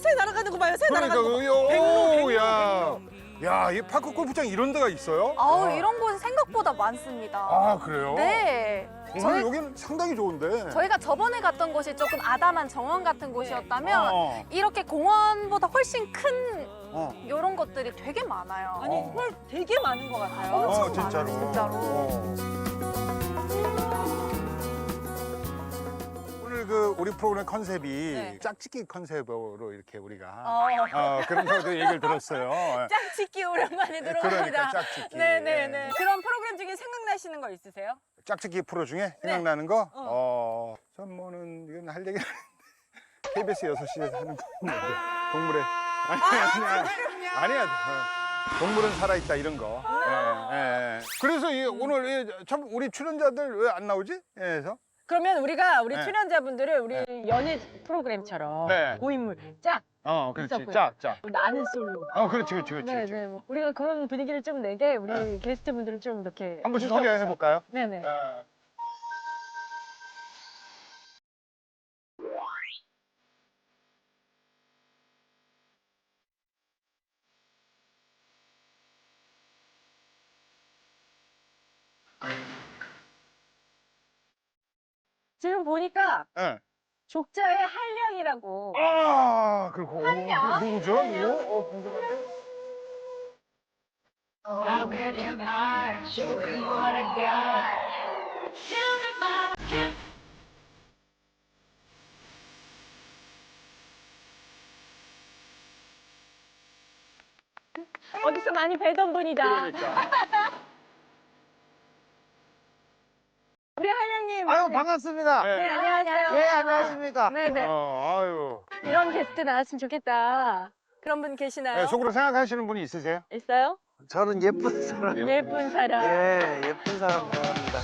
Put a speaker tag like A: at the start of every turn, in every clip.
A: 새 날아가는 거 봐요. 새
B: 그러니까
A: 날아가는 거.
B: 오, 야, 이 파크 골프장 이런 데가 있어요?
C: 아우 이런 곳이 생각보다 많습니다.
B: 아, 그래요?
C: 네.
B: 오늘 여기는 상당히 좋은데.
C: 저희가 저번에 갔던 곳이 조금 아담한 정원 같은 곳이었다면
B: 어.
C: 이렇게 공원보다 훨씬 큰
B: 어.
C: 이런 것들이 되게 많아요.
A: 아니 헐 되게 많은 것 같아요.
C: 엄청
B: 진짜로.
C: 많아요, 진짜로.
B: 오늘 그 우리 프로그램 컨셉이
A: 네.
B: 짝짓기 컨셉으로 이렇게 우리가
A: 어.
B: 그런 거 얘기를 들었어요.
A: 짝짓기 오랜만에 들어봅니다.
B: 그러니까 짝짓기.
A: 네네네. 그런 프로그램 중에 생각나시는 거 있으세요?
B: 짝짓기 프로 중에 생각나는 거? 전 뭐는 이건 할 얘기는 KBS 6시에서 하는 건데 동물의 아니야. 동물은 살아있다 이런 거. 예. 그래서 오늘 참 우리 출연자들 왜 안 나오지? 그래서
A: 그러면 우리가 우리
B: 네.
A: 출연자분들을 우리 연예 프로그램처럼
B: 네.
A: 고인물 짝
B: 그렇지.
A: 있었고요.
B: 짝.
A: 나는 솔로.
B: 그렇지.
A: 네네. 뭐 우리가 그런 분위기를 좀 내게 우리 게스트분들을 좀 이렇게
B: 한번 소개해 볼까요?
A: 네네. 지금 보니까
B: 네.
A: 족자의 한량이라고.
B: 그리고 누구죠? 이거? 궁금한데?
A: 어디서 많이 뵈던 분이다. 우리 한량님.
D: 아유 반갑습니다.
A: 네, 안녕하세요.
D: 예 안녕하십니까.
A: 네네.
B: 아유.
A: 이런 게스트 나왔으면 좋겠다. 그런 분 계시나요?
B: 네, 속으로 생각하시는 분이 있으세요?
A: 있어요?
D: 저는 예쁜 사람.
A: 예쁜 사람.
D: 예 예쁜 사람 좋아합니다.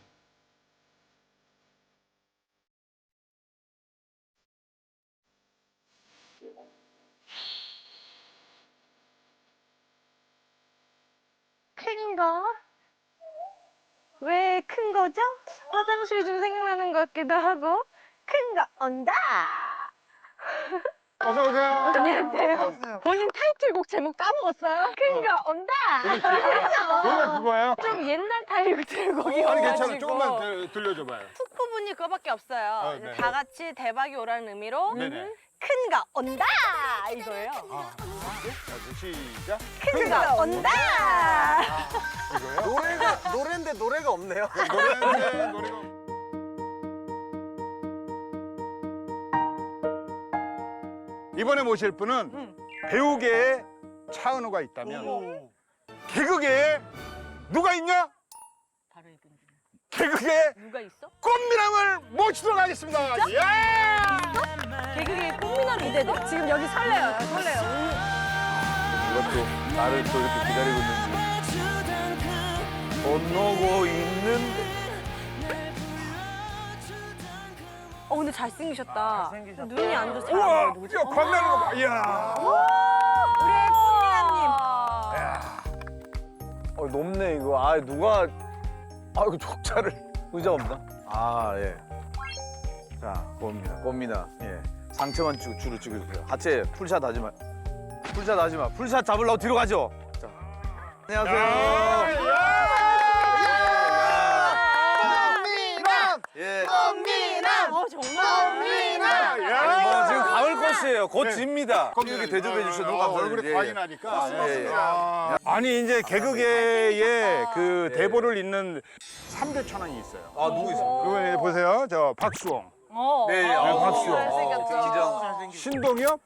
A: 큰 거? 왜 큰 거죠? 화장실 좀 생각나는 것 같기도 하고. 큰 거 온다.
B: 어서 오세요.
A: 안녕하세요. 본인 타이틀곡 제목 까먹었어요? 큰 거 온다.
B: 노래 그거예요?
A: 좀 옛날 타이틀곡이어가지고.
B: 아니 괜찮아. 조금만 들려줘봐요.
E: 훅 부분이 그거밖에 없어요. 이제
B: 네.
E: 다 같이 대박이 오라는 의미로
B: 네네.
E: 큰 거 온다 이거예요.
B: 시작.
E: 큰 거 온다.
B: 이거요?
D: 노래인데 노래가 없네요.
B: 노래가. 이번에 모실 분은 배우계에 차은우가 있다면 개그계에 누가 있냐?
E: 바로 이분.
B: 개그계에
E: 누가 있어?
B: 꽃미남을 모시도록 하겠습니다. 야!
A: 개그계 꽃미남 이대도? 지금 여기 설레요. 설레요.
D: 이것도 나를 또 이렇게 기다리고 있는지 못 놓고 있는데.
E: 근데 잘생기셨다.
D: 잘생기셨다.
E: 눈이 안 좋지
B: 우와!
E: 않아요? 누구지?
B: 야, 광나는 거 봐. 이야.
E: 우리 꽃미남님.
D: 높네 이거. 아 누가 이거 족자를 의자 없나? 예. 자 꽃미나. 예. 상체만 주로 찍어주세요. 하체 풀샷 하지 마. 풀샷 잡으려고 뒤로 가죠. 자. 안녕하세요. 예.
E: 정말.
D: 뭐 지금 가을 꽃이에요. 곧
B: 네.
D: 집니다. 이렇게 대접해 주셔서 너무 감사드립니다.
B: 얼굴에 광이 나니까.
D: 예, 예.
B: 아니 이제 개그계에 그 대보를 잇는 3대 천왕이 있어요.
D: 누구 있어요?
B: 그거 이제 보세요. 저 박수홍,
D: 네,
B: 박수홍.
E: 잘생겼죠.
B: 신동엽,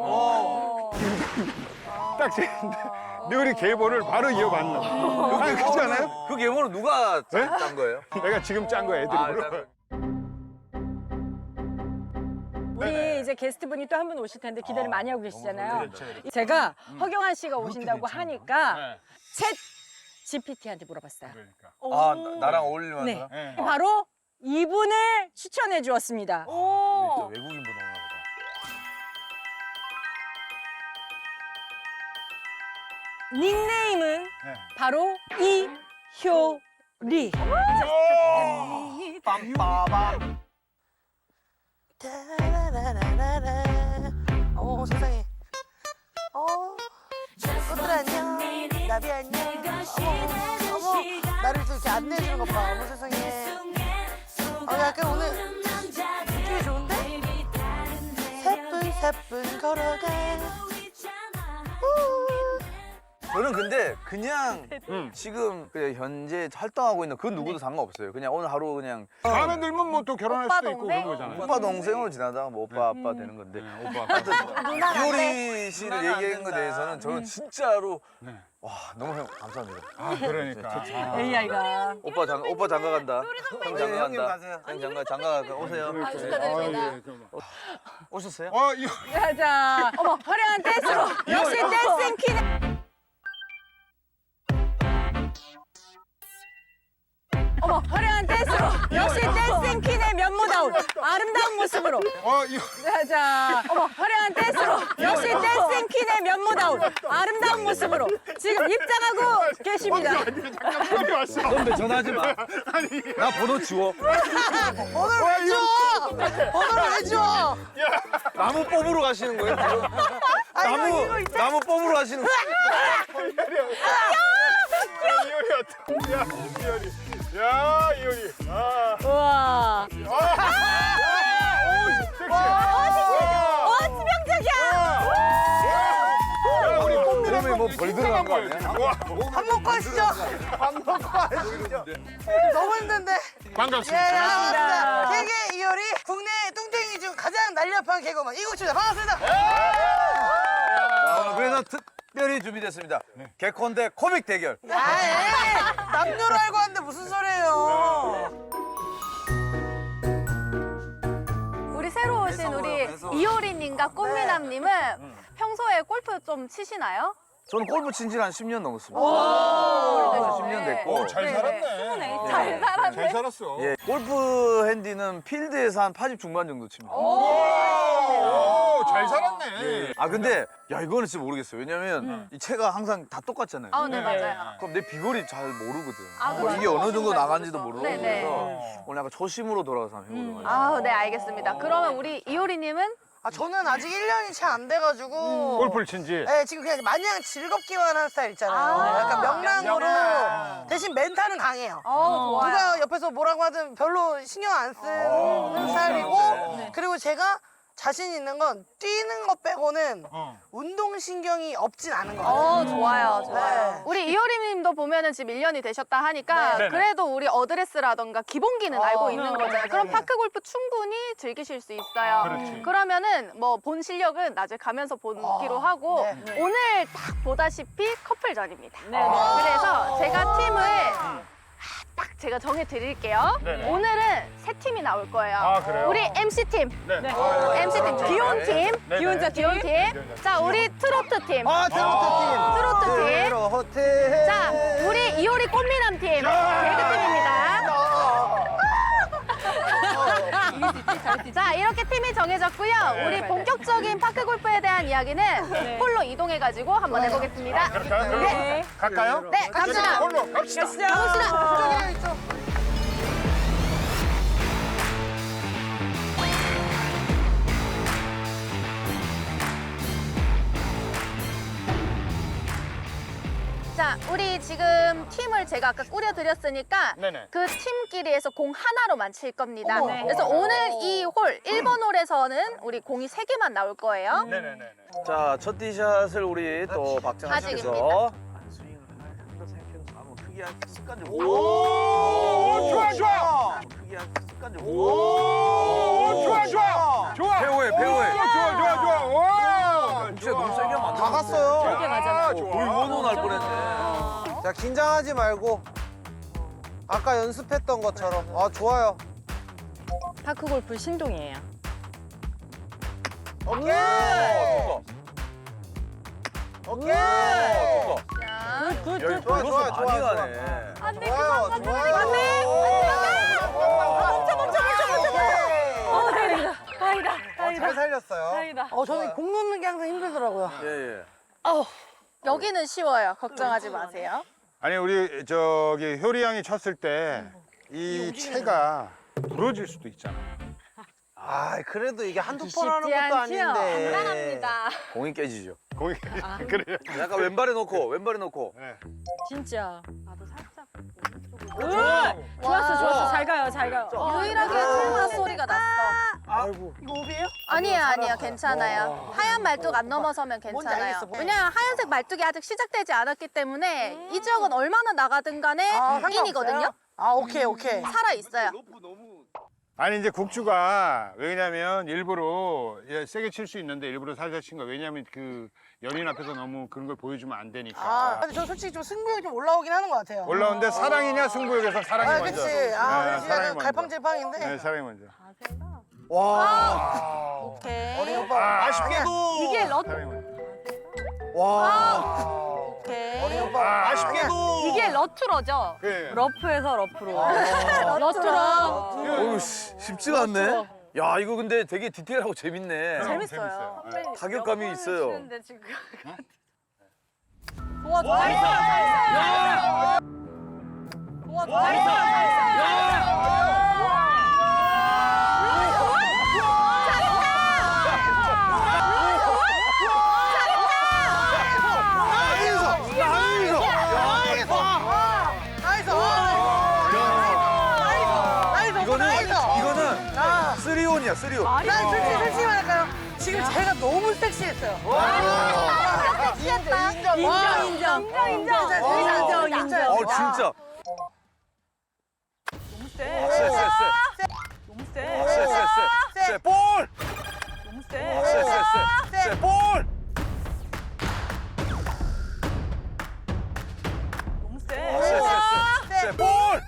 B: 딱 재는데 우리 계보를 바로 이어받는. 아니 그렇지 않아요?
D: 그 예물은 누가 짠 거예요?
B: 내가 지금 짠 거야 애드립으로.
A: 우리 이제 게스트분이 또 한 분 오실 텐데 기대를 많이 하고 계시잖아요. 제가 허경환 씨가 오신다고 하니까 챗 GPT한테 물어봤어요.
B: 그러니까.
D: 나랑 어울릴만한
A: 네.
D: 사람?
B: 네.
A: 바로 이분을 추천해 주었습니다.
D: 진짜 외국인보다 오나 보다.
A: 닉네임은
B: 네.
A: 바로 이효리.
D: 빰빠밤.
E: 세상에.
F: 안내해주는 것 봐. 어머 세상에. 약간 오늘 느낌이 좋은데? 새뿐 걸어가.
D: 저는 근데 그냥 지금 그냥 현재 활동하고 있는 그 누구도 상관없어요. 그냥 오늘 하루 그냥
B: 마음에 들면 뭐 또 결혼할
C: 오빠
B: 수도 있고
C: 동생?
B: 그런 거잖아요.
D: 오빠 동생으로 지나다가 뭐 오빠 아빠 되는 건데.
C: 누나
D: 이효리 씨를 얘기한 거에 대해서는 저는 진짜로 와 너무 감사합니다.
B: 아, 그러니까.
A: AI가.
D: 오빠 장가 간다. 형 장가 간다. 형 장가 간다. 오세요.
C: 축하드립니다.
D: 오셨어요?
B: 이거
A: 자, 어머, 화려한 댄스로. 역시 댄싱 퀸. 어머, 화려한 댄스로. 역시 댄싱 퀸의 면모다운 아름다운 모습으로.
B: 이거
A: 자, 어머, 화려한 댄스로. 역시 댄싱 퀸의 면모다운 아름다운 모습으로 지금 입장하고 계십니다.
B: 잠깐만 왔어.
D: 선배 전화하지 마. 나 번호 지워.
F: 번호를 왜 줘? 번호를 왜 줘?
D: 나무 뽑으러 가시는 거예요? 지금? 나무 뽑으러 가시는 거예요?
B: 이효리 어떡해. 야, 이효리. 야, 이효리.
A: 우와.
B: 야, 우리
D: 몸에 뭐 벌 들어간 거 아니야?
F: 밥 먹고 하시죠. 너무 힘든데. 예,
B: 반갑습니다.
F: 반갑습니다. 개개 이효리 국내 뚱땡이 중 가장 날렵한 개그맨 이국주입니다. 반갑습니다.
D: 그래서 특별히 준비됐습니다. 개콘 대 코믹 대결.
F: 남녀로 알고 하는데 무슨 소리예요?
C: 우리 새로 오신 우리 이효리님과 꽃미남님은 평소에 골프 좀 치시나요?
D: 저는 골프 친 지가 한 10년 넘었습니다.
C: 오래되셨네.
D: 10년 됐고.
B: 잘 살았네.
C: 잘 살았네.
B: 잘 살았어.
D: 예, 골프 핸디는 필드에서 한 80 중반 정도 칩니다.
B: 오, 잘 살았네.
D: 아 근데 야 이거는 진짜 모르겠어요. 왜냐면 이 채가 항상 다 똑같잖아요.
C: 네, 맞아요.
D: 그럼 내 비거리 잘 모르거든.
C: 아,
D: 뭐 이게 어느 정도 나간지도 모르고
C: 네네.
D: 그래서 오늘 약간 초심으로 돌아가서 한번 해보도록 하겠습니다.
C: 아, 네, 알겠습니다. 그러면 우리 이효리님은?
F: 저는 아직 1년이 채 안 돼가지고
B: 골프를 친지.
F: 네, 지금 그냥 마냥 즐겁기만 한 스타일 있잖아요.
C: 아,
F: 약간 명랑으로
B: 명랑.
F: 대신 멘탈은 강해요.
C: 좋아요.
F: 누가 옆에서 뭐라고 하든 별로 신경 안 쓰는 스타일이고 그리고 제가 자신 있는 건 뛰는 것 빼고는 운동신경이 없진 않은 것 같아요.
C: 좋아요, 좋아요.
F: 네.
C: 우리 이효리님도 보면은 지금 1년이 되셨다 하니까
B: 네네.
C: 그래도 우리 어드레스라던가 기본기는 알고 있는 거잖아요. 그럼 파크 골프 충분히 즐기실 수 있어요.
B: 그렇지.
C: 그러면은 뭐 본 실력은 나중에 가면서 보기로 하고
F: 네.
C: 오늘 딱 보다시피 커플전입니다. 그래서 제가 팀을 딱 제가 정해 드릴게요.
B: 네네.
C: 오늘은 세 팀이 나올 거예요.
B: 아, 그래요?
C: 우리 MC 팀,
B: 네.
C: MC 팀, 귀여운 팀,
B: 네네.
C: 귀여운 팀. 자, 우리 트로트 팀.
F: 트로트
C: 트로트 팀.
F: 호텔.
C: 자, 우리 이효리 꽃미남 팀. 개그팀입니다. 자, 이렇게 팀이 정해졌고요. 우리 본격적인 파크 골프에 대한 이야기는 홀로 이동해가지고 한번 해보겠습니다.
B: 네. 갈까요?
C: 네, 갑시다.
B: 홀로 갑시다.
F: 이쪽에 있죠.
C: 자, 우리 지금 팀을 제가 아까 꾸려드렸으니까
B: 네네.
C: 그 팀끼리에서 공 하나로만 칠 겁니다.
F: 어머.
C: 그래서 오늘 이 홀 1번 홀에서는 우리 공이 3개만 나올 거예요.
B: 네네네.
D: 자, 첫 티샷을 우리 또 박정아 씨께서
C: 아직입니다.
D: 스윙을 한번더 생각해서 한번 크게 한 습관적으로.
B: 오, 좋아, 좋아.
D: 크게 한 습관적으로.
B: 오, 좋아, 좋아. 좋아.
D: 배우해, 배우해.
B: 좋아. 와.
D: 진짜 너무 세게 하면 안 돼.
G: 다 갔어요.
A: 저렇게 가잖아.
D: 돌번호 날 뻔했네.
G: 자, 긴장하지 말고 아까 연습했던 것처럼. 좋아요.
A: 파크 골프 신동이에요.
G: 오케이. 오케이.
C: 자,
D: 여기
G: 좋아,
D: 돌고서
G: 좋아,
D: 많이
G: 좋아, 좋아.
D: 가네.
C: 안 돼,
G: 좋아요.
C: 그만
G: 좋아요.
C: 안 돼.
G: 잘 살렸어요.
F: 저는 공 놓는 게 항상 힘들더라고요.
D: 예, 예.
C: 여기는 쉬워요. 걱정하지 마세요.
B: 아니 우리 저기 효리 양이 쳤을 때 이 채가 부러질 수도 있잖아.
G: 그래도 이게 한두
A: 쉽지
G: 번 하는 것도
A: 않지요?
G: 아닌데.
D: 공이 깨지죠.
B: 거기 그래요.
D: 약간 왼발에 놓고, 왼발에 놓고.
B: 네.
A: 진짜. 좋았어. 잘 가요, 잘 가요.
C: 유일하게 통화 소리가 났어.
G: 아이고.
F: 이거 오비예요?
C: 아니에요, 괜찮아요. 하얀 말뚝 안 넘어서면
F: 뭔지
C: 괜찮아요.
F: 알겠어.
C: 왜냐면 하얀색 말뚝이 아직 시작되지 않았기 때문에 이 지역은 얼마나 나가든 간에
F: 상관없어요?
C: 인이거든요.
F: 아, 오케이, 오케이.
C: 살아 있어요.
B: 아니 이제 국주가 왜냐면 일부러 세게 칠 수 있는데 일부러 살살 친 거야. 왜냐면 그 연인 앞에서 너무 그런 걸 보여주면 안 되니까.
F: 아, 근데 저 솔직히 좀 승부욕이 좀 올라오긴 하는 것 같아요.
B: 올라오는데 사랑이냐 승부욕에서 사랑이
F: 아,
B: 먼저.
F: 그치.
B: 네,
F: 아, 그렇지.
B: 사랑이
F: 약간
B: 먼저.
F: 갈팡질팡인데.
B: 네, 사랑이 먼저.
G: 와.
C: 오케이.
F: 어린 오빠.
G: 아쉽게도.
A: 이게
B: 사랑이 먼저.
G: 와.
C: 오케이.
F: 어린 오빠.
G: 아쉽게도.
A: 이게 러투러죠?
B: 그래.
A: 러프에서 러프로. 러투러.
D: 어우, 쉽지가 않네. 야, 이거 근데 되게 디테일하고 재밌네.
A: 재밌어요.
D: 타격감이 있어요. 이거는 쓰리온이야, 쓰리온.
F: 난 솔직히 말할까요? 지금 제가 너무 섹시했어요.
C: 섹시했다.
A: 인정.
D: 어, 진짜.
A: 너무
D: 세,
A: 세.
D: 세, 세.
A: 너무
D: 세,
A: 세.
D: 세, 세. 세, 볼!
A: 너무
D: 세,
A: 세.
D: 세, 세. 세, 볼!
A: 너무
D: 세,
A: 세.
D: 세, 세. 세, 볼!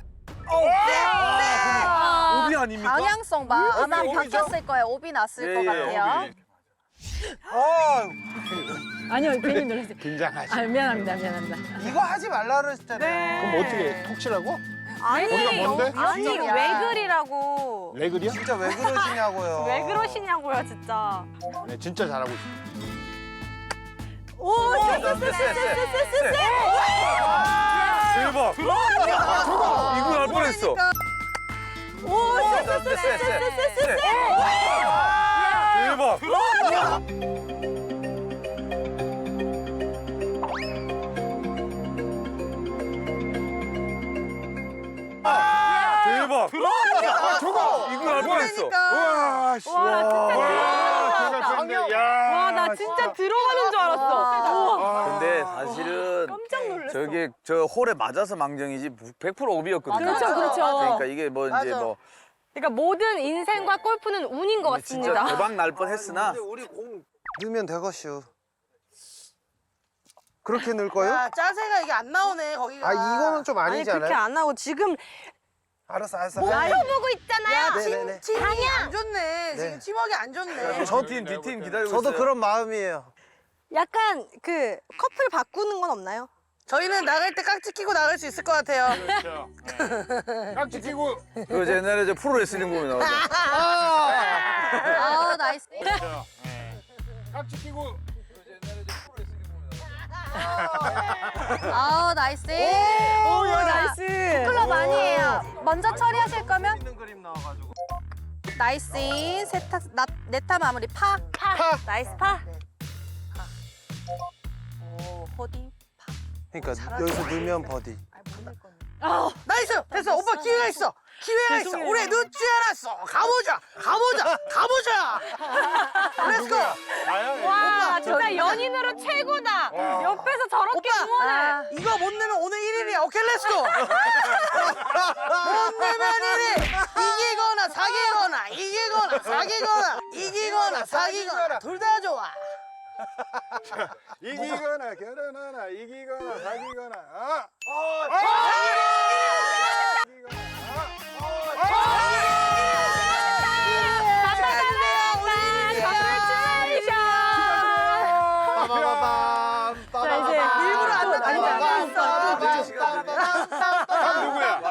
D: 오비 아닙니까?
C: 방향성 봐. 아마
B: 오비죠?
C: 바뀌었을 거예요. 오비 났을 것 같아요.
D: 오비.
A: 아니요, 괜히 놀랐어요.
B: 긴장하지.
A: 아, 미안합니다.
G: 이거 하지 말라 그랬잖아요.
B: 그럼 어떻게 톡 치라고?
E: 아니,
B: 거기가 뭔데?
E: 아니
C: 위험이야.
E: 왜 그리라고?
B: 레글이야?
G: 진짜 왜 그러시냐고요.
E: 왜 그러시냐고요, 진짜.
B: 네, 진짜 잘하고 있어.
D: 세, 세, 세. 대박. 이거 날 뻔했어. 세, 세, 세, 세. 대박. 대박. 이거 날 뻔했어.
B: 우와, 씨.
A: 와, 나 진짜 들어가는 줄 알았어.
D: 근데 사실은
A: 깜짝 놀랐어.
D: 저게 저 홀에 맞아서 망정이지 100% 오비였거든요.
A: 그렇죠.
D: 그러니까 이게 뭐 이제
F: 맞아.
D: 뭐
E: 그러니까 모든 인생과 골프는 운인 것
D: 진짜
E: 같습니다.
D: 대박 날 뻔했으나
G: 우리 공 넣으면 되겠슈. 그렇게 넣을 거요?
F: 야, 짜세가 이게 안 나오네, 거기가.
G: 아 이거는 좀
E: 아니
G: 아니지
E: 그렇게
G: 않아요?
E: 안 하고 지금
G: 알았어.
E: 보고 있잖아요.
F: 야,
G: 네네네.
F: 팀이 안 좋네. 지금 팀워크 안 좋네.
D: 저팀 D팀 기다리고
G: 저도
D: 있어요.
G: 그런 마음이에요.
E: 약간 그 커플 바꾸는 건 없나요?
F: 저희는 나갈 때 깍지 끼고 나갈 수 있을 것 같아요.
B: 그렇죠. 깍지 끼고.
D: 그 옛날에 저 프로레슬링 보면 나오죠.
C: 아우, 나이스.
B: 깍지 끼고.
C: 아우, 나이스.
A: 오, 나이스.
C: 클럽 아니에요. 먼저 처리하실 거면
G: 있는 그림 나와가지고.
C: 나이스. 네타 마무리 파.
E: 나이스 파.
C: 오, 호디.
G: 그러니까 여기서 넣으면 버디.
F: 나이스! 됐어. 오빠 기회가 있어. 기회가 있어. 우리 늦지 않았어. 가보자. 렛츠고.
E: 와 진짜 연인으로 최고다. 옆에서 저렇게 응원을.
C: 아,
F: 이거 못 내면 오늘 1일이야. 오케이, 렛츠고. 못 내면 1일. 이기거나 사기거나 둘 다 좋아.
B: 이기거나 결혼하나 이기거나 사기거나.
A: 자, 이제
F: 일부러 안
B: 누구야?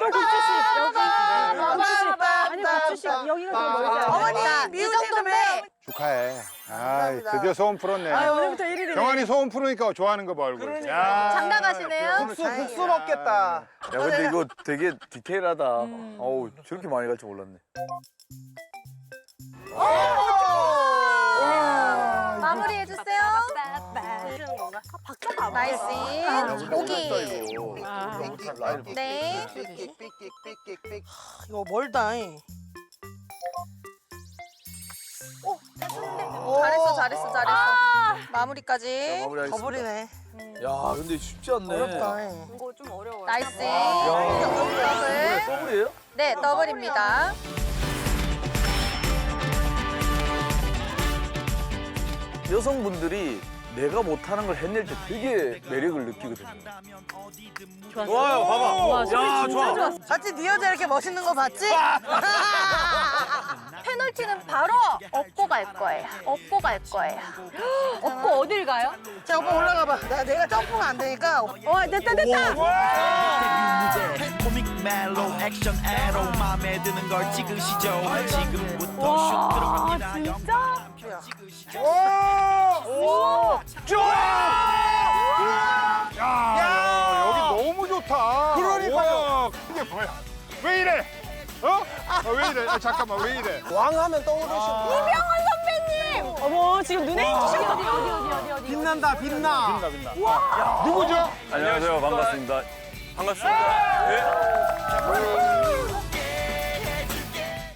A: 아니, 박주 씨, 여기가 더 멀잖아.
F: 어머니 미운 선배.
B: 축하해. 아, 드디어 소원 풀었네.
A: 아, 오늘부터 1일이네.
B: 경환이 소원 풀으니까 좋아하는 거 봐, 얼굴. 야.
C: 장담하시네요.
G: 국수 먹겠다.
D: 야 근데 이거 되게 디테일하다. 어우 저렇게 많이 갈 줄 몰랐네.
C: 마무리해 주세요.
E: 해주는 건가? 박자가
C: 나이스. 오기. 네.
F: 이거 멀다.
C: 잘했어. 마무리까지.
D: 마무리하겠습니다.
F: 더블이네.
D: 야, 근데 쉽지 않네.
F: 어렵다.
C: 나이스.
D: 야,
C: 더블.
D: 더블이에요?
C: 네, 더블입니다.
D: 여성분들이 내가 못하는 걸 해낼 때 되게 매력을 느끼거든요.
A: 좋았어.
D: 봐봐.
A: 와, 소리 진짜 좋았어.
F: 봤지? 네 여자 이렇게 멋있는 거 봤지?
C: 페널티는 바로 업고 갈 거예요.
A: 업고 어딜 가요?
F: 자, 오빠 올라가 봐. 내가 점프가 안 되니까.
A: 됐다.
H: 코믹 멜로 액션 에로 마음에 드는 걸 찍으시죠. 지금부터 슛 들어갑니다.
A: 진짜?
B: 야, 여기 너무 좋다.
G: 그러니까요.
B: 우와, 이게 뭐야? 왜 이래? 왜 이래? 잠깐만, 왜 이래?
G: 왕하면 떠오르시고.
A: 어머, 지금 눈에 띄셨어. 어디.
G: 빛난다, 빛나.
B: 빛나. 누구죠?
D: 안녕하세요. 반갑습니다. 반갑습니다.